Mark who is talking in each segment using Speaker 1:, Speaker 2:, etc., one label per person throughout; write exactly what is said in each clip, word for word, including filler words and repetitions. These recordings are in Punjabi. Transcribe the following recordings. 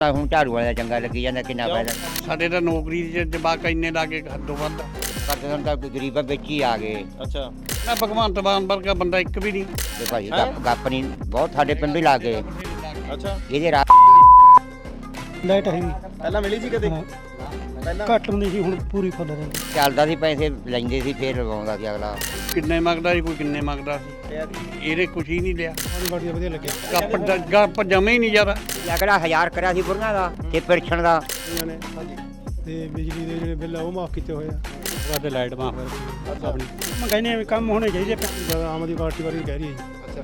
Speaker 1: ਹੁਣ ਝਾੜੂ ਵਾਲਾ ਚੰਗਾ ਲੱਗੀ ਜਾਂਦਾ ਕਿੰਨਾ ਫਾਇਦਾ
Speaker 2: ਸਾਡੇ ਤਾਂ ਨੌਕਰੀ ਦੇ ਜਵਾਕ ਇੰਨੇ ਲਾਗੇ ਹੱਦੋਂ ਵੱਧ
Speaker 1: ਕਰਦੇ ਹਨ ਤਾਂ ਗਰੀਬਾਂ ਵਿੱਚ ਹੀ ਆ ਗਏ।
Speaker 3: ਅੱਛਾ
Speaker 2: ਨਾ ਭਗਵੰਤ ਮਾਨ ਵਰਗਾ ਬੰਦਾ ਇੱਕ ਵੀ ਨਹੀਂ।
Speaker 1: ਤੇ ਭਾਈ ਗੱਪ ਗੱਪ ਨਹੀਂ ਬਹੁਤ ਸਾਡੇ ਪਿੰਡ ਹੀ ਲਾ ਗਏ
Speaker 3: ਅੱਛਾ
Speaker 1: ਇਹਦੇ ਰਾਹ
Speaker 4: ਲਾਈਟ ਹੈਗੀ
Speaker 3: ਪਹਿਲਾਂ ਮਿਲੀ ਸੀ ਕਦੇ
Speaker 4: ਹਾਂ।
Speaker 3: ਪਹਿਲਾਂ
Speaker 4: ਘੱਟ ਹੁੰਦੀ ਸੀ ਹੁਣ ਪੂਰੀ ਫੁੱਲ ਰਹਿੰਦੀ।
Speaker 1: ਚੱਲਦਾ ਸੀ ਪੈਸੇ ਲੈਂਦੇ ਸੀ ਫੇਰ ਲਵਾਉਂਦਾ ਸੀ ਅਗਲਾ।
Speaker 2: ਕਿੰਨੇ ਮੰਗਦਾ ਸੀ ਕੋਈ ਕਿੰਨੇ ਮੰਗਦਾ ਸੀ ਇਹਨੇ ਕੁਛ ਹੀ ਨਹੀਂ ਲਿਆ।
Speaker 4: ਬੜੀ ਵਧੀਆ ਲੱਗਿਆ
Speaker 2: ਗੱਪ ਗੱਪ ਜਮੇ ਹੀ ਨਹੀਂ ਯਾਰ।
Speaker 1: ਅਗਲਾ ਹਜ਼ਾਰ ਕਰਿਆ ਸੀ ਬੁੜੀਆਂ ਦਾ ਤੇ ਪਿਰਛਣ ਦਾ
Speaker 4: ਇਹਨਾਂ ਨੇ ਤੇ ਬਿਜਲੀ ਦੇ ਜਿਹੜੇ ਬਿੱਲ ਆ ਉਹ ਮਾਫ ਕੀਤੇ ਹੋਏ ਆ।
Speaker 2: ਸਾਡੇ ਲਾਈਟ ਮਾਫ
Speaker 4: ਆਪਣੀ ਮੈਂ ਕਹਿੰਦੇ ਆ ਕੰਮ ਹੋਣੇ ਚਾਹੀਦੇ। ਆਮ ਆਦਮੀ ਪਾਰਟੀ ਵਾਲੀ ਕਹਿ ਰਹੀ ਹੈ ਜੀ।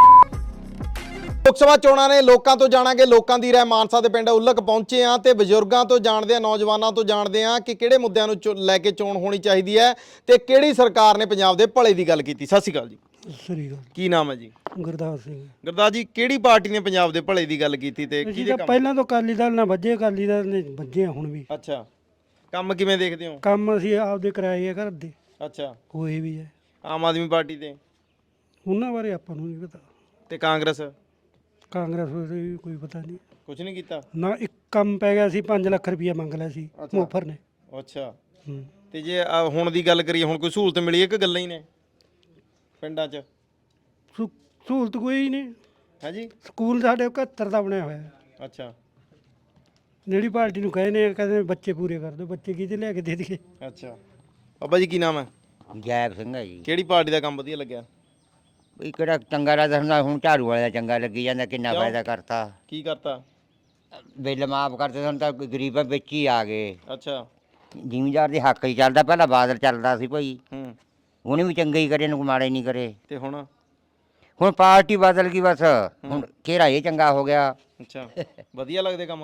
Speaker 3: ਲੋਕ ਸਭਾ ਚੋਣਾਂ ਨੇ ਲੋਕਾਂ ਤੋਂ ਜਾਣਾਂਗੇ ਲੋਕਾਂ ਦੀ ਰਾਏ। ਮਾਨਸਾ ਦੇ ਪਿੰਡ ਉਲਕ ਪਹੁੰਚੇ ਆ ਤੇ ਬਜ਼ੁਰਗਾਂ ਤੋਂ ਜਾਣਦੇ ਆ, ਨੌਜਵਾਨਾਂ ਤੋਂ ਜਾਣਦੇ ਆ ਕਿ ਕਿਹੜੇ ਮੁੱਦਿਆਂ ਨੂੰ ਲੈ ਕੇ ਚੋਣ ਹੋਣੀ ਚਾਹੀਦੀ ਹੈ ਤੇ ਕਿਹੜੀ ਸਰਕਾਰ ਨੇ ਪੰਜਾਬ ਦੇ ਭਲੇ ਦੀ ਗੱਲ ਕੀਤੀ। ਸਤਿ ਸ਼੍ਰੀ ਅਕਾਲ ਜੀ।
Speaker 4: ਸ੍ਰੀ ਅਕਾਲ।
Speaker 3: ਕੀ ਨਾਮ ਹੈ ਜੀ?
Speaker 4: ਗੁਰਦਾਸ ਸਿੰਘ।
Speaker 3: ਗੁਰਦਾਸ ਜੀ, ਕਿਹੜੀ ਪਾਰਟੀ ਨੇ ਪੰਜਾਬ ਦੇ ਭਲੇ ਦੀ ਗੱਲ ਕੀਤੀ ਤੇ
Speaker 4: ਜੀ
Speaker 3: ਕਿਹਦੇ
Speaker 4: ਤਾਂ
Speaker 3: ਕੰਮ?
Speaker 4: ਪਹਿਲਾਂ ਤੋਂ ਅਕਾਲੀ ਦਲ ਨਾਲ ਵੱਜੇ, ਅਕਾਲੀ ਦਲ ਨੇ ਵੱਜੇ ਆ ਹੁਣ ਵੀ।
Speaker 3: ਅੱਛਾ, ਕੰਮ ਕਿਵੇਂ ਦੇਖਦੇ ਹੋ?
Speaker 4: ਕੰਮ ਅਸੀਂ ਆਪਦੇ ਕਰਾਏ ਆ ਘਰ ਦੇ,
Speaker 3: ਅੱਛਾ,
Speaker 4: ਹੋਏ ਵੀ ਹੈ।
Speaker 3: ਆਮ ਆਦਮੀ ਪਾਰਟੀ ਦੇ
Speaker 4: ਉਹਨਾਂ ਬਾਰੇ ਆਪਾਂ ਨੂੰ ਨਹੀਂ ਪਤਾ।
Speaker 3: ਤੇ ਕਾਂਗਰਸ
Speaker 4: ਕਾਂਗਰਸ ਬਾਰੇ ਵੀ ਕੋਈ ਪਤਾ ਨਹੀਂ
Speaker 3: ਕੁਝ ਨਹੀਂ ਕੀਤਾ।
Speaker 4: ਨਾ। ਇੱਕ ਕੰਮ ਪੈ ਗਿਆ ਸੀ ਪੰਜ ਲੱਖ ਰੁਪਇਆ ਮੰਗ ਲਿਆ ਸੀ ਮੋਫਰ ਨੇ।
Speaker 3: ਅੱਛਾ,
Speaker 4: ਹੂੰ।
Speaker 3: ਤੇ ਜੇ ਆਹ ਹੁਣ ਦੀ ਗੱਲ ਕਰੀਏ, ਹੁਣ ਕੋਈ ਸਹੂਲਤ ਮਿਲੀ ਹੈ ਕਿ ਗੱਲਾਂ ਹੀ ਨੇ ਪਿੰਡਾਂ 'ਚ?
Speaker 4: ਸਹੂ- ਸਹੂਲਤ ਕੋਈ ਨਹੀਂ।
Speaker 3: ਹੈ ਜੀ।
Speaker 4: ਸਕੂਲ ਸਾਡੇ ਇਕਹੱਤਰ ਦਾ ਬਣਿਆ ਹੋਇਆ ਹੈ।
Speaker 3: ਅੱਛਾ
Speaker 4: ਜਿਹੜੀ ਪਾਰਟੀ ਨੂੰ ਕਹੇ ਨੇ ਕਹਿੰਦੇ ਬੱਚੇ ਪੂਰੇ ਕਰ ਦਿਓ। ਬੱਚੇ ਕਿਹਦੇ ਲੈ ਕੇ ਦੇ ਦਈਏ?
Speaker 3: ਅੱਛਾ, ਬਾਬਾ ਜੀ ਕੀ ਨਾਮ ਹੈ?
Speaker 1: ਜੈਬ ਸਿੰਘ ਹੈ ਜੀ।
Speaker 3: ਕਿਹੜੀ ਪਾਰਟੀ ਦਾ ਕੰਮ ਵਧੀਆ ਲੱਗਿਆ?
Speaker 1: ਵੀ ਕਿਹੜਾ ਚੰਗਾ ਲੱਗਦਾ ਹੁੰਦਾ ਹੁਣ ਝਾੜੂ ਵਾਲਾ ਚੰਗਾ ਲੱਗੀ ਜਾਂਦਾ ਕਿੰਨਾ ਫਾਇਦਾ ਕਰਤਾ।
Speaker 3: ਕੀ ਕਰਤਾ?
Speaker 1: ਬਿੱਲ ਮਾਫ ਕਰਦੇ ਹਨ ਤਾਂ ਗਰੀਬਾਂ ਵਿੱਚ ਹੀ ਆ ਗਏ।
Speaker 3: ਅੱਛਾ।
Speaker 1: ਜ਼ਿਮੀਂਦਾਰ ਦੇ ਹੱਕ ਹੀ ਚੱਲਦਾ। ਪਹਿਲਾਂ ਬਾਦਲ ਚੱਲਦਾ ਸੀ ਭਾਈ,
Speaker 3: ਹੂੰ।
Speaker 1: ਉਹਨੇ ਵੀ ਚੰਗੇ ਹੀ ਕਰੇ ਨੂੰ ਮਾੜੇ ਨਹੀਂ ਕਰੇ।
Speaker 3: ਤੇ ਹੁਣ?
Speaker 1: ਹੁਣ ਪਾਰਟੀ ਬਦਲ ਗਈ ਬਸ। ਹੁਣ ਘੇਰਾ ਇਹ ਚੰਗਾ ਹੋ ਗਿਆ।
Speaker 3: ਅੱਛਾ, ਵਧੀਆ ਲੱਗਦੇ ਕੰਮ?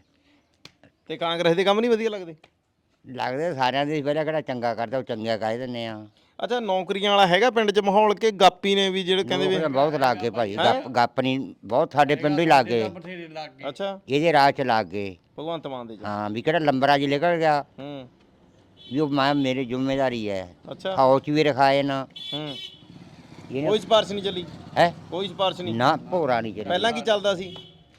Speaker 3: ਤੇ ਕਾਂਗਰਸ ਦੇ ਕੰਮ ਨਹੀਂ ਵਧੀਆ ਲੱਗਦੇ?
Speaker 1: ਲੱਗਦੇ ਸਾਰਿਆਂ ਦੇ ਪਹਿਲਾਂ ਕਿਹੜਾ ਚੰਗਾ ਕਰਦਾ ਉਹ ਚੰਗਾ ਕਹਿ ਦਿੰਦੇ ਆ।
Speaker 3: ਅੱਛਾ, ਨੌਕਰੀਆਂ ਵਾਲਾ ਹੈਗਾ ਪਿੰਡ 'ਚ ਮਾਹੌਲ ਕਿ ਗਾਪੀ ਨੇ ਵੀ ਜਿਹੜੇ ਕਹਿੰਦੇ ਵੀ?
Speaker 1: ਨੌਕਰੀਆਂ ਬਹੁਤ ਲੱਗ ਗਏ ਭਾਈ। ਗੱਪ ਗੱਪ ਨਹੀਂ ਬਹੁਤ ਸਾਡੇ ਪਿੰਡ ਹੀ ਲੱਗ ਗਏ।
Speaker 3: ਅੱਛਾ,
Speaker 1: ਇਹਦੇ ਰਾਹ 'ਚ ਲੱਗ ਗਏ।
Speaker 3: ਭਗਵੰਤ ਮਾਨ ਦੇ 'ਚ?
Speaker 1: ਹਾਂ ਵੀ ਕਿਹੜਾ ਲੰਬਰਾ ਜੀ ਨਿਕਲ ਗਿਆ
Speaker 3: ਹੂੰ।
Speaker 1: ਵੀ ਉਹ ਮੈਂ ਮੇਰੀ ਜ਼ਿੰਮੇਵਾਰੀ ਹੈ।
Speaker 3: ਅੱਛਾ।
Speaker 1: ਫੌਜ 'ਚ ਵੀ ਰਖਾਏ ਨਾ
Speaker 3: ਹੂੰ।
Speaker 1: ਇਹਨੇ
Speaker 3: ਕੋਈ ਸਿਫਾਰਿਸ਼ ਨਹੀਂ ਚੱਲੀ?
Speaker 1: ਹੈ
Speaker 3: ਕੋਈ ਸਿਫਾਰਿਸ਼ ਨਹੀਂ?
Speaker 1: ਨਾ ਭੋਰਾ ਨਹੀਂ ਚੱਲਿਆ।
Speaker 3: ਪਹਿਲਾਂ ਕੀ ਚੱਲਦਾ ਸੀ?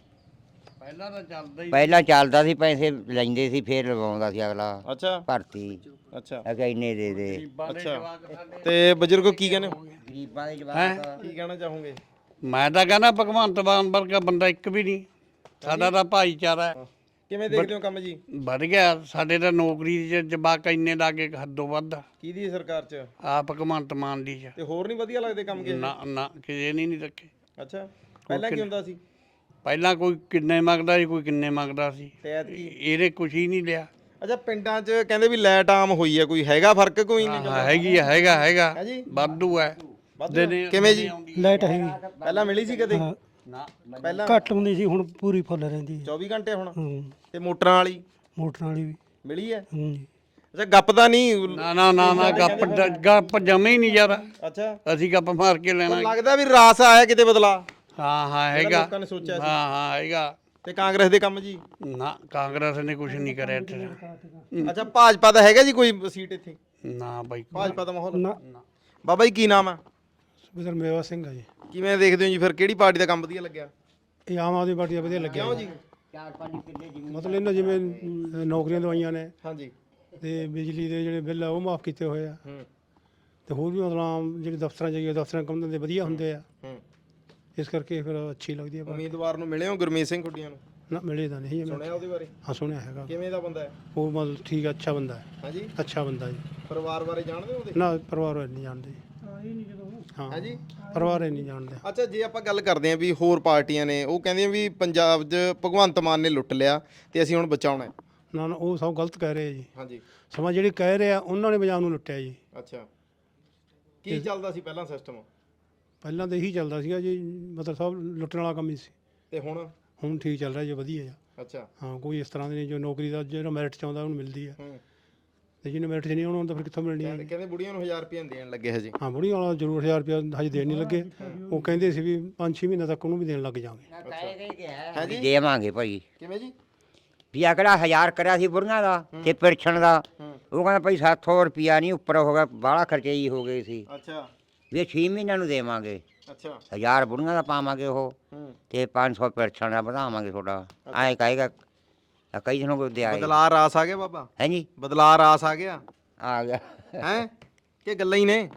Speaker 2: ਪਹਿਲਾਂ ਤਾਂ ਚੱਲਦਾ ਹੀ
Speaker 1: ਪਹਿਲਾਂ ਚੱਲਦਾ ਸੀ ਪੈਸੇ ਲੈਂਦੇ ਸੀ ਫੇਰ ਲਵਾਉਂਦਾ ਸੀ ਅਗਲਾ
Speaker 3: ਅੱਛਾ।
Speaker 1: ਭਰਤੀ।
Speaker 3: ਅੱਛਾ।
Speaker 1: ਅਗੇ ਇੰਨੇ ਦੇ ਦੇ
Speaker 3: ਅੱਛਾ, ਤੇ ਬਜ਼ੁਰਗੋ ਕੀ ਕਹਿੰਦੇ ਹੋ?
Speaker 1: ਗਰੀਬਾਂ ਦੇ ਜਵਾਕ
Speaker 3: ਕੀ ਕਹਿਣਾ ਚਾਹੋਗੇ?
Speaker 2: ਮੈਂ ਤਾਂ ਕਹਿੰਦਾ ਭਗਵੰਤ ਮਾਨ ਵਰਗਾ ਬੰਦਾ ਇੱਕ ਵੀ ਨਹੀਂ। ਸਾਡਾ ਤਾਂ ਭਾਈਚਾਰਾ ਹੈ।
Speaker 3: ਕਿਵੇਂ ਦੇਖਦੇ ਹੋ ਕੰਮ ਜੀ?
Speaker 2: ਵੱਧ ਗਿਆ ਸਾਡੇ ਤਾਂ ਨੌਕਰੀ ਦੇ ਜਵਾਕ ਇੰਨੇ ਲਾਗੇ ਹੱਦੋਂ ਵੱਧ।
Speaker 3: ਕਿਹਦੀ ਸਰਕਾਰ 'ਚ?
Speaker 2: ਆ ਭਗਵੰਤ ਮਾਨ ਦੀ ਚ
Speaker 3: ਤੇ ਹੋਰ ਨਹੀਂ ਵਧੀਆ ਲੱਗਦੇ ਕੰਮ ਕਿਸੇ?
Speaker 2: ਨਾ ਨਾ ਕਿਸੇ ਨੇ ਨਹੀਂ ਰੱਖੇ।
Speaker 3: ਅੱਛਾ, ਪਹਿਲਾਂ ਕੀ ਹੁੰਦਾ ਸੀ?
Speaker 2: ਪਹਿਲਾਂ ਕੋਈ ਕਿੰਨੇ ਮੰਗਦਾ ਸੀ ਕੋਈ ਕਿੰਨੇ ਮੰਗਦਾ ਸੀ
Speaker 3: ਤੇ ਐਤਕੀ?
Speaker 2: ਇਹਨੇ ਕੁਛ ਹੀ ਨਹੀਂ ਲਿਆ।
Speaker 3: ਅੱਛਾ, ਪਿੰਡਾਂ 'ਚ ਕਹਿੰਦੇ ਵੀ ਲਾਈਟ ਆਮ ਹੋਈ ਹੈ, ਕੋਈ ਹੈਗਾ ਫਰਕ? ਕੋਈ ਨਹੀਂ
Speaker 2: ਹਾਂ, ਹੈਗੀ ਆ, ਹੈਗਾ ਹੈਗਾ
Speaker 3: ਹੈ ਜੀ।
Speaker 2: ਵਾਧੂ ਹੈ।
Speaker 3: ਵਾਧੂ ਹੈ? ਕਿਵੇਂ ਜੀ?
Speaker 4: ਲਾਈਟ ਹੈਗੀ
Speaker 3: ਪਹਿਲਾਂ ਮਿਲੀ ਸੀ ਕਦੇ?
Speaker 4: ਹਾਂ।
Speaker 2: ਨਾ
Speaker 3: ਪਹਿਲਾਂ
Speaker 4: ਘੱਟ ਹੁੰਦੀ ਸੀ ਹੁਣ ਪੂਰੀ ਫੁੱਲ ਰਹਿੰਦੀ ਹੈ।
Speaker 3: ਚੌਵੀ ਘੰਟੇ ਹੁਣ?
Speaker 4: ਹੂੰ।
Speaker 3: ਤੇ ਮੋਟਰਾਂ ਵਾਲੀ
Speaker 4: ਮੋਟਰਾਂ ਵਾਲੀ ਵੀ।
Speaker 3: ਮਿਲੀ ਹੈ?
Speaker 4: ਹੂੰ।
Speaker 3: ਅੱਛਾ, ਗੱਪ ਤਾਂ ਨਹੀਂ?
Speaker 2: ਨਾ ਨਾ ਨਾ ਨਾ ਗੱਪ ਗੱਪ ਜਮੇ ਹੀ ਨਹੀਂ ਯਾਰ।
Speaker 3: ਅੱਛਾ,
Speaker 2: ਅਸੀਂ ਗੱਪ ਮਾਰ ਕੇ ਲੈਣਾ।
Speaker 3: ਲੱਗਦਾ ਵੀ ਰਾਸ ਆਇਆ ਕਿਤੇ ਬਦਲਾ?
Speaker 2: ਹਾਂ ਹਾਂ ਹੈਗਾ।
Speaker 3: ਲੋਕਾਂ ਨੇ ਸੋਚਿਆ ਸੀ।
Speaker 2: ਹਾਂ ਹਾਂ ਹੈਗਾ।
Speaker 3: ਤੇ ਕਾਂਗਰਸ ਦੇ ਕੰਮ ਜੀ?
Speaker 2: ਨਾ ਕਾਂਗਰਸ ਨੇ ਕੁਛ ਨਹੀਂ ਕਰਿਆ ਇੱਥੇ।
Speaker 3: ਅੱਛਾ, ਭਾਜਪਾ ਦਾ ਹੈਗਾ ਜੀ ਕੋਈ ਸੀਟ ਇੱਥੇ?
Speaker 2: ਨਾ ਬਾਈ
Speaker 3: ਭਾਜਪਾ ਦਾ ਮਾਹੌਲ?
Speaker 4: ਨਾ।
Speaker 3: ਬਾਬਾ ਜੀ ਕੀ ਨਾਮ ਹੈ?
Speaker 4: ਸੁਖਦਰ ਮੇਵਾ ਸਿੰਘ ਆ ਜੀ।
Speaker 3: ਕਿਵੇਂ ਦੇਖਦੇ ਹੋ ਜੀ ਫਿਰ ਕਿਹੜੀ ਪਾਰਟੀ ਦਾ ਕੰਮ ਵਧੀਆ ਲੱਗਿਆ?
Speaker 4: ਇਹ ਆਮ ਆਦਮੀ ਪਾਰਟੀ ਦਾ ਵਧੀਆ ਲੱਗਿਆ
Speaker 3: ਕਿਉਂ ਜੀ?
Speaker 4: ਮਤਲਬ ਇਹਨਾਂ ਜਿਵੇਂ ਅਮ, ਨੌਕਰੀਆਂ ਦਵਾਈਆਂ ਨੇ
Speaker 3: ਹਾਂਜੀ।
Speaker 4: ਤੇ ਬਿਜਲੀ ਦੇ ਜਿਹੜੇ ਬਿੱਲ ਆ ਉਹ ਮਾਫ ਕੀਤੇ ਹੋਏ ਆ।
Speaker 3: ਹੂੰ
Speaker 4: ਤੇ ਹੋਰ ਵੀ ਮਤਲਬ ਆਮ ਜਿਹੜੇ ਦਫ਼ਤਰਾਂ ਜਾਈਏ ਦਫ਼ਤਰਾਂ ਕੰਮ ਧੰਦੇ ਵਧੀਆ ਹੁੰਦੇ ਆ।
Speaker 3: ਹੂੰ।
Speaker 4: ਇਸ ਕਰਕੇ ਫਿਰ ਅੱਛੀ ਲੱਗਦੀ ਹੈ ਪਾਰਟੀ।
Speaker 3: ਉਮੀਦਵਾਰ ਨੂੰ ਮਿਲੇ ਹੋ ਗੁਰਮੀਤ ਸਿੰਘ ਖੁੱਡੀਆਂ ਨੂੰ?
Speaker 4: ਨਾ ਮਿਲੇ ਤਾਂ ਨਹੀਂ ਮੈਂ।
Speaker 3: ਸੁਣਿਆ ਉਹਦੇ ਬਾਰੇ?
Speaker 4: ਹਾਂ ਸੁਣਿਆ ਹੈਗਾ।
Speaker 3: ਕਿਵੇਂ ਦਾ ਬੰਦਾ ਹੈ?
Speaker 4: ਉਹ ਮਤਲਬ ਠੀਕ ਹੈ, ਅੱਛਾ ਬੰਦਾ ਹੈ।
Speaker 3: ਹਾਂਜੀ।
Speaker 4: ਅੱਛਾ ਬੰਦਾ ਜੀ।
Speaker 3: ਪਰਿਵਾਰ ਬਾਰੇ ਜਾਣਦੇ ਹੋ ਉਹਦੇ?
Speaker 4: ਨਾ ਪਰਿਵਾਰ ਵਾਲੇ ਨਹੀਂ ਜਾਣਦੇ। ਹਾਂ
Speaker 3: ਹਾਂਜੀ।
Speaker 4: ਪਰਿਵਾਰ ਵਾਲੇ ਨਹੀਂ ਜਾਣਦੇ।
Speaker 3: ਅੱਛਾ, ਜੇ ਆਪਾਂ ਗੱਲ ਕਰਦੇ ਆਂ ਵੀ ਹੋਰ ਪਾਰਟੀਆਂ ਨੇ ਉਹ ਕਹਿੰਦੀਆਂ ਵੀ ਪੰਜਾਬ 'ਚ ਭਗਵੰਤ ਮਾਨ ਨੇ ਲੁੱਟ ਲਿਆ ਤੇ ਅਸੀਂ ਹੁਣ ਬਚਾਉਣਾ ਹੈ।
Speaker 4: ਨਾ ਨਾ ਉਹ ਸਭ ਗਲਤ ਕਹਿ ਰਹੇ ਆ ਜੀ।
Speaker 3: ਹਾਂਜੀ।
Speaker 4: ਸਮਾਂ ਜਿਹੜੇ ਕਹਿ ਰਹੇ ਆ ਉਹਨਾਂ ਨੇ ਪੰਜਾਬ ਨੂੰ ਲੁੱਟਿਆ ਜੀ।
Speaker 3: ਅੱਛਾ, ਕੀ ਚੱਲਦਾ ਸੀ ਪਹਿਲਾਂ ਸਿਸਟਮ?
Speaker 4: ਪਹਿਲਾਂ ਤਾਂ ਇਹੀ ਚੱਲਦਾ ਸੀਗਾ ਜੀ, ਮਤਲਬ ਸਭ ਲੁੱਟਣ ਵਾਲਾ ਕੰਮ ਹੀ ਸੀ।
Speaker 3: ਤੇ ਹੁਣ?
Speaker 4: ਹੁਣ ਠੀਕ ਚੱਲ ਰਿਹਾ ਜੀ, ਵਧੀਆ ਆ।
Speaker 3: ਅੱਛਾ।
Speaker 4: ਹਾਂ, ਕੋਈ ਇਸ ਤਰ੍ਹਾਂ ਦੀ ਨਹੀਂ ਜੋ ਨੌਕਰੀ ਦਾ ਜਿਹੜਾ ਮੈਰਿਟ 'ਚ ਆਉਂਦਾ ਉਹਨੂੰ ਮਿਲਦੀ ਆ।
Speaker 3: ਹੂੰ।
Speaker 4: ਤੇ ਜਿਹਨੇ ਮੈਰਿਟ 'ਚ ਨਹੀਂ ਆਉਣਾ ਹੁੰਦਾ ਫਿਰ ਕਿੱਥੋਂ ਮਿਲਣੀ ਆ?
Speaker 3: ਕਹਿੰਦੇ ਕਹਿੰਦੇ ਬੁੜੀਆਂ ਨੂੰ ਹਜ਼ਾਰ ਰੁਪਏ ਦੇਣ ਲੱਗੇ ਹਜੇ।
Speaker 4: ਹਾਂ, ਬੁੜੀ ਵਾਲਾ ਜ਼ਰੂਰ ਹਜ਼ਾਰ ਰੁਪਇਆ ਹਜੇ ਦੇਣ ਨਹੀਂ ਲੱਗੇ। ਉਹ ਕਹਿੰਦੇ ਸੀ ਵੀ ਪੰਜ ਛੇ ਮਹੀਨੇ ਤੱਕ ਉਹਨੂੰ ਵੀ ਦੇਣ ਲੱਗ ਜਾਵਾਂਗੇ।
Speaker 1: ਵੀ ਦੇਵਾਂਗੇ ਭਾਈ।
Speaker 3: ਕਿਵੇਂ ਜੀ?
Speaker 1: ਵੀ ਅਗਲਾ ਹਜ਼ਾਰ ਕਰਿਆ ਸੀ ਬੁੜੀਆਂ ਦਾ ਤੇ ਪਿਰਛਣ ਦਾ। ਉਹ ਕਹਿੰਦਾ ਭਾਈ ਸੱਤ ਸੌ ਰੁਪਿਆ ਨਹੀਂ ਉੱਪਰ ਹੋ ਗਿਆ, ਬਾਹਲਾ ਖਰਚੇ ਹੀ ਹੋ ਗਏ ਸੀ।
Speaker 3: ਅੱਛਾ।
Speaker 1: ਵੀ ਛੇ ਮਹੀਨਿਆਂ ਨੂੰ ਦੇਵਾਂਗੇ।
Speaker 3: ਅੱਛਾ
Speaker 1: ਹਜ਼ਾਰ ਬੁੜੀਆਂ ਦਾ ਪਾਵਾਂਗੇ ਉਹ
Speaker 3: ਹੂੰ
Speaker 1: ਤੇ ਪੰਜ ਸੌ ਪੈਨਸ਼ਨ ਦਾ ਵਧਾਵਾਂਗੇ ਤੁਹਾਡਾ ਐਂ ਕਹੇਗਾ ਆ ਕਈ ਜਣੋਂ ਕੋਈ ਦਿਆ
Speaker 3: ਬਦਲਾ ਰਾਸ ਆ ਗਿਆ ਬਾਬਾ
Speaker 1: ਹੈ ਜੀ
Speaker 3: ਬਦਲਾ ਰਾਸ ਆ ਗਿਆ
Speaker 1: ਆ ਗਿਆ
Speaker 3: ਹੈ ਕਿ ਗੱਲਾਂ ਹੀ ਨੇ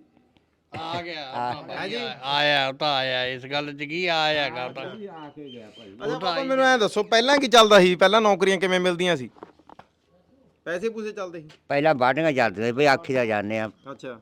Speaker 2: ਆ ਗਿਆ ਉਹ ਤਾਂ ਬਾਈ ਆ- ਆਇਆ ਉਹ ਤਾਂ ਆਇਆ ਇਸ ਗੱਲ 'ਚ ਕੀ ਆਇਆ ਗਾ ਉਹ ਤਾਂ
Speaker 3: ਅੱਛਾ ਬਾਬਾ ਮੈਨੂੰ ਐ ਦੱਸੋ ਪਹਿਲਾਂ ਕੀ ਚੱਲਦਾ ਸੀ ਪਹਿਲਾਂ ਨੌਕਰੀਆਂ ਕਿਵੇਂ ਮਿਲਦੀਆਂ ਸੀ ਪੈਸੇ ਪੂਸੇ ਚੱਲਦੇ ਸੀ
Speaker 1: ਪਹਿਲਾਂ ਬਾਢੀਆਂ ਚੱਲਦੀਆਂ ਬਈ ਆਖੀ ਦਾ ਜਾਂਦੇ ਆ
Speaker 3: ਅੱਛਾ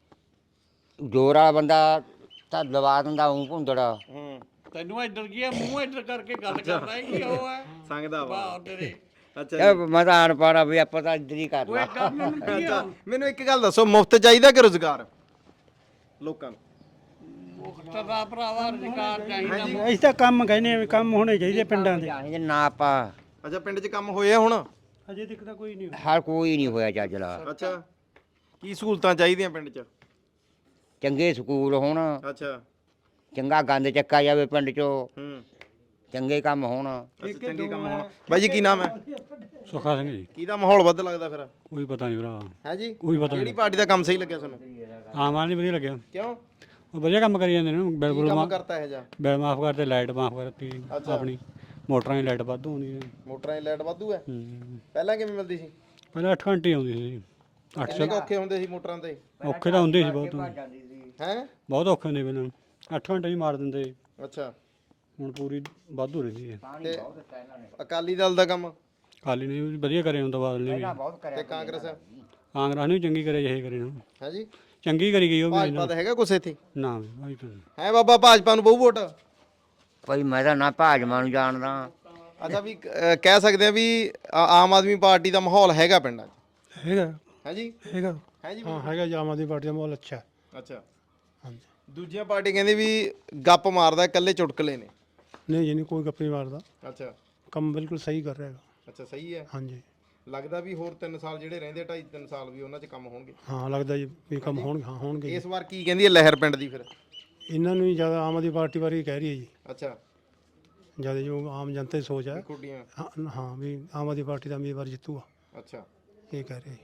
Speaker 1: ਜੋਰਾ ਬੰਦਾ ਤਾਂ ਲਵਾ ਦਿੰਦਾ ਉਂ ਭੁੰਦੜਾ
Speaker 3: ਹੂੰ
Speaker 2: ਤੈਨੂੰ ਇੱਧਰ ਕੀ ਆ ਮੂੰਹ ਇੱਧਰ ਕਰਕੇ ਗੱਲ ਕਰਦਾ ਹੈ ਕੀ ਉਹ ਹੈ
Speaker 3: ਸੰਗਦਾ ਵਾ
Speaker 2: ਵਾਹ ਤੇਰੇ
Speaker 3: ਅੱਛਾ
Speaker 1: ਇਹ ਮੈਂ ਤਾਂ ਅਣ ਪਾੜਾ ਵੀ ਆਪਾਂ ਤਾਂ ਇੱਧਰ ਹੀ
Speaker 2: ਓਏ
Speaker 1: ਕਰਨਾ
Speaker 2: ਗੱਲ ਮੈਨੂੰ ਕੀ ਆ
Speaker 3: ਅੱਛਾ ਮੈਨੂੰ ਇੱਕ ਗੱਲ ਦੱਸੋ ਮੁਫਤ ਚਾਹੀਦਾ ਕਿ ਰੁਜ਼ਗਾਰ ਲੋਕਾਂ ਨੂੰ
Speaker 2: ਮੁਖਤਰ ਦਾ ਭਰਾਵਾ ਰੁਜ਼ਗਾਰ ਚਾਹੀਦਾ
Speaker 5: ਅਸੀਂ ਤਾਂ ਕੰਮ ਕਹਿੰਦੇ ਆ ਵੀ ਕੰਮ ਹੋਣੇ ਚਾਹੀਦੇ ਪਿੰਡਾਂ ਦੇ
Speaker 1: ਚਾਹੀਦੇ ਨਾ ਆਪਾਂ
Speaker 3: ਅੱਛਾ ਪਿੰਡ 'ਚ ਕੰਮ ਹੋਏ ਆ ਹੁਣ
Speaker 5: ਅਜੇ ਤੱਕ ਤਾਂ ਕੋਈ ਨਹੀਂ
Speaker 1: ਹਰ ਕੋਈ ਨਹੀਂ ਹੋਇਆ ਚੱਜਲਾ
Speaker 3: ਅੱਛਾ ਕੀ ਸਹੂਲਤਾਂ ਚਾਹੀਦੀਆਂ ਪਿੰਡ 'ਚ
Speaker 1: ਚੰਗੇ ਸਕੂਲ ਹੋਣ
Speaker 3: ਅੱਛਾ
Speaker 1: ਚੰਗਾ ਗੰਦ ਚੱਕਾ ਜਾਵੇ ਪਿੰਡ ਚੋਂ
Speaker 3: ਹੂੰ
Speaker 1: ਚੰਗੇ ਕੰਮ ਹੋਣ
Speaker 3: ਅੱਛਾ ਚੰਗੇ ਕੰਮ ਹੋਣ ਬਾਈ ਜੀ ਕੀ ਨਾਮ ਹੈ
Speaker 4: ਸੁਖਾ ਸਿੰਘ ਜੀ
Speaker 3: ਕਿਹਦਾ ਮਾਹੌਲ ਵੱਧ ਲੱਗਦਾ ਫਿਰ
Speaker 4: ਕੋਈ ਪਤਾ ਨਹੀਂ ਭਰਾ
Speaker 3: ਹੈ ਜੀ
Speaker 4: ਕੋਈ ਪਤਾ
Speaker 3: ਕਿਹੜੀ ਪਾਰਟੀ ਦਾ ਕੰਮ ਸਹੀ ਲੱਗਿਆ ਤੁਹਾਨੂੰ
Speaker 4: ਆਮ ਆਦਮੀ ਵਧੀਆ ਲੱਗਿਆ
Speaker 3: ਕਿਉਂ
Speaker 4: ਉਹ ਵਧੀਆ ਕੰਮ ਕਰੀ ਜਾਂਦੇ ਨੇ
Speaker 3: ਕੀ
Speaker 4: ਬਿਲਕੁਲ
Speaker 3: ਕੰਮ ਕਰਤਾ ਇਹ ਜਾ
Speaker 4: ਬਿਲ ਮਾਫ ਕਰਦੇ ਲਾਈਟ ਮਾਫ ਕਰਤੀ ਆਪਣੀ ਮੋਟਰਾਂ ਦੀ ਲਾਈਟ ਵਾਧੂ ਆਉਂਦੀ ਹੈ
Speaker 3: ਮੋਟਰਾਂ ਦੀ ਲਾਈਟ ਵਾਧੂ ਹੈ
Speaker 4: ਹੂੰ।
Speaker 3: ਪਹਿਲਾਂ ਕਿਵੇਂ ਮਿਲਦੀ ਸੀ
Speaker 4: ਪਹਿਲਾਂ ਅੱਠ ਘੰਟੇ ਆਉਂਦੀ ਸੀ ਅੱਠ
Speaker 3: ਕਿੰਨੇ ਕੁ ਔਖੇ ਹੁੰਦੇ ਸੀ ਮੋਟਰਾਂ ਤੇ
Speaker 4: ਔਖੇ ਤਾਂ ਹੁੰਦੇ ਸੀ ਬਹੁਤ
Speaker 3: ਹੈ
Speaker 4: ਬਹੁਤ ਔਖੇ ਹੁੰਦੇ ਪਹਿਲਾਂ ਅੱਠ ਘੰਟੇ ਹੀ ਮਾਰ ਦਿੰਦੇ
Speaker 3: ਅੱਛਾ
Speaker 4: ਹੁਣ ਪੂਰੀ ਵਾਧੂ ਰਹਿੰਦੀ ਹੈ
Speaker 3: ਤੇ ਅਕਾਲੀ ਦਲ ਦਾ ਕੰਮ
Speaker 4: ਕਾਲੀ ਨੇ ਵੀ ਵਧੀਆ ਕਰੇ ਹੁੰਦਾ ਬਾਦਲ ਨੇ ਵੀ
Speaker 3: ਤੇ ਕਾਂਗਰਸ
Speaker 4: ਕਾਂਗਰਸ ਨੇ ਵੀ ਚੰਗੀ ਕਰੇ ਜਿਹੇ ਕਰੇ ਨਾ
Speaker 3: ਹੈ ਜੀ
Speaker 4: ਚੰਗੀ ਕਰੀ ਗਈ ਉਹ ਵੀ
Speaker 3: ਭਾਜਪਾ ਤਾਂ ਹੈਗਾ ਕੁਛ ਇੱਥੇ
Speaker 4: ਨਾ ਭਾਈ ਤਾਂ
Speaker 3: ਹੈ ਬਾਬਾ ਭਾਜਪਾ ਨੂੰ ਬਹੁ ਵੋਟ
Speaker 1: ਭਾਈ ਮੈਂ ਤਾਂ ਨਾ ਭਾਜਮਾ ਨੂੰ ਜਾਣਦਾ
Speaker 3: ਅੱਛਾ ਵੀ ਅਹ, ਕਹਿ ਸਕਦੇ ਆ ਵੀ ਆ- ਆਮ ਆਦਮੀ ਪਾਰਟੀ ਦਾ ਮਾਹੌਲ ਹੈਗਾ ਪਿੰਡਾਂ 'ਚ
Speaker 4: ਹੈਗਾ
Speaker 3: ਹੈ ਜੀ
Speaker 4: ਹੈਗਾ
Speaker 3: ਹੈ ਜੀ
Speaker 4: ਹਾਂ ਹੈਗਾ ਜੀ ਆਮ ਆਦਮੀ ਪਾਰਟੀ ਦਾ ਮਾਹੌਲ ਅੱਛਾ ਹੈ।
Speaker 3: ਅੱਛਾ
Speaker 4: ਹਾਂਜੀ
Speaker 3: ਦੂਜੀਆਂ ਪਾਰਟੀ ਕਹਿੰਦੀ ਵੀ ਗੱਪ ਮਾਰਦਾ ਇਕੱਲੇ ਚੁਟਕਲੇ ਨੇ
Speaker 4: ਨਹੀਂ ਜੀ ਨਹੀਂ ਕੋਈ ਗੱਪ ਨਹੀਂ ਮਾਰਦਾ
Speaker 3: ਅੱਛਾ
Speaker 4: ਕੰਮ ਬਿਲਕੁਲ ਸਹੀ ਕਰ ਰਿਹਾ ਹੈਗਾ
Speaker 3: ਅੱਛਾ ਸਹੀ ਹੈ
Speaker 4: ਹਾਂਜੀ
Speaker 3: ਲੱਗਦਾ ਵੀ ਹੋਰ ਤਿੰਨ ਸਾਲ ਜਿਹੜੇ ਰਹਿੰਦੇ ਢਾਈ ਤਿੰਨ ਸਾਲ ਵੀ ਉਹਨਾਂ 'ਚ ਕੰਮ ਹੋਣਗੇ
Speaker 4: ਹਾਂ ਲੱਗਦਾ ਜੀ ਵੀ ਕੰਮ ਹੋਣਗੇ ਹਾਂ ਹੋਣਗੇ
Speaker 3: ਇਸ ਵਾਰ ਕੀ ਕਹਿੰਦੀ ਹੈ ਲਹਿਰ ਪਿੰਡ ਦੀ ਫਿਰ
Speaker 4: ਇਹਨਾਂ ਨੂੰ ਹੀ ਜ਼ਿਆਦਾ ਆਮ ਆਦਮੀ ਪਾਰਟੀ ਬਾਰੇ ਹੀ ਕਹਿ ਰਹੀ ਹੈ ਜੀ
Speaker 3: ਅੱਛਾ
Speaker 4: ਜ਼ਿਆਦਾ ਜੋ ਆਮ ਜਨਤਾ ਦੀ ਸੋਚ ਹੈ
Speaker 3: ਖੁੱਡੀਆਂ
Speaker 4: ਹਾਂ ਹਾਂ ਵੀ ਆਮ ਆਦਮੀ ਪਾਰਟੀ ਦਾ ਉਮੀਦਵਾਰ ਜਿੱਤੂਗਾ
Speaker 3: ਅੱਛਾ
Speaker 4: ਇਹ ਕਹਿ ਰਹੇ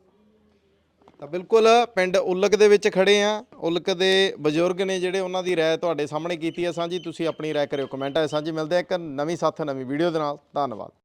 Speaker 3: ਤਾਂ ਬਿਲਕੁਲ ਪਿੰਡ ਉਲਕ ਦੇ ਵਿੱਚ ਖੜੇ ਆ ਉਲਕ ਦੇ ਬਜ਼ੁਰਗ ਨੇ ਜਿਹੜੇ ਉਹਨਾਂ ਦੀ ਰਾਏ ਤੁਹਾਡੇ ਸਾਹਮਣੇ ਕੀਤੀ ਹੈ ਸਾਂਝੀ ਤੁਸੀਂ ਆਪਣੀ ਰਾਏ ਕਰਿਓ ਕਮੈਂਟਾਂ 'ਚ ਸਾਂਝੀ ਮਿਲਦੇ ਆ ਇੱਕ ਨਵੀਂ ਸਾਥ ਨਵੀਂ ਵੀਡੀਓ ਦੇ ਨਾਲ ਧੰਨਵਾਦ।